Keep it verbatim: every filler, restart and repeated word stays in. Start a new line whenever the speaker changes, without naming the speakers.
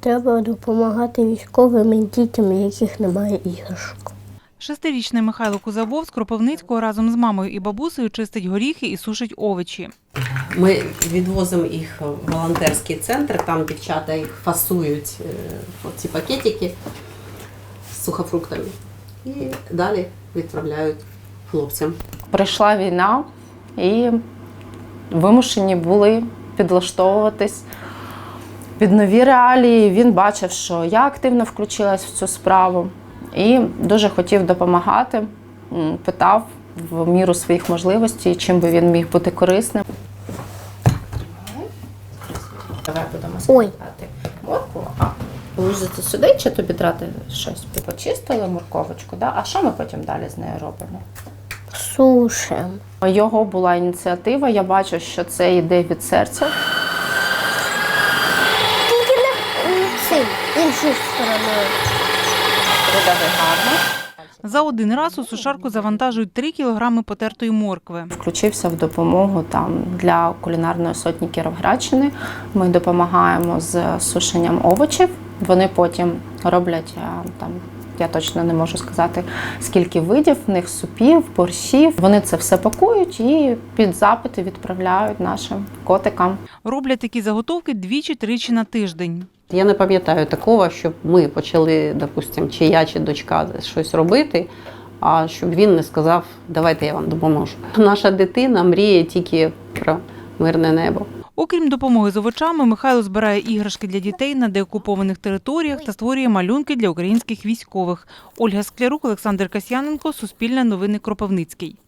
треба допомагати військовим і дітям, у яких немає іграшок.
Шестирічний Михайло Кузабов з Кропивницького разом з мамою і бабусею чистить горіхи і сушить овочі.
Ми відвозимо їх в волонтерський центр, там дівчата їх фасують, ці пакетики з сухофруктами, і далі відправляють хлопцям.
Прийшла війна і вимушені були підлаштовуватись під нові реалії. Він бачив, що я активно включилась в цю справу і дуже хотів допомагати, питав в міру своїх можливостей, чим би він міг бути корисним. Давай будемо складати моркву. А положити сюди чи тобі драти щось? Почистили морковочку, да? А що ми потім далі з нею робимо?
Сушим.
Його була ініціатива, я бачу, що це йде від серця.
Тільки не цим, іншою стороною.
Видави гарно.
За один раз у сушарку завантажують три кілограми потертої моркви.
Включився в допомогу там для кулінарної сотні Кіровоградщини. Ми допомагаємо з сушенням овочів. Вони потім роблять там, я точно не можу сказати, скільки видів, в них супів, борщів. Вони це все пакують і під запити відправляють нашим котикам.
Роблять такі заготовки двічі-тричі на тиждень.
Я не пам'ятаю такого, щоб ми почали, допустимо, чи я, чи дочка щось робити, а щоб він не сказав, давайте я вам допоможу. Наша дитина мріє тільки про мирне небо.
Окрім допомоги з овочами, Михайло збирає іграшки для дітей на деокупованих територіях та створює малюнки для українських військових. Ольга Склярук, Олександр Касьяненко, Суспільне новини, Кропивницький.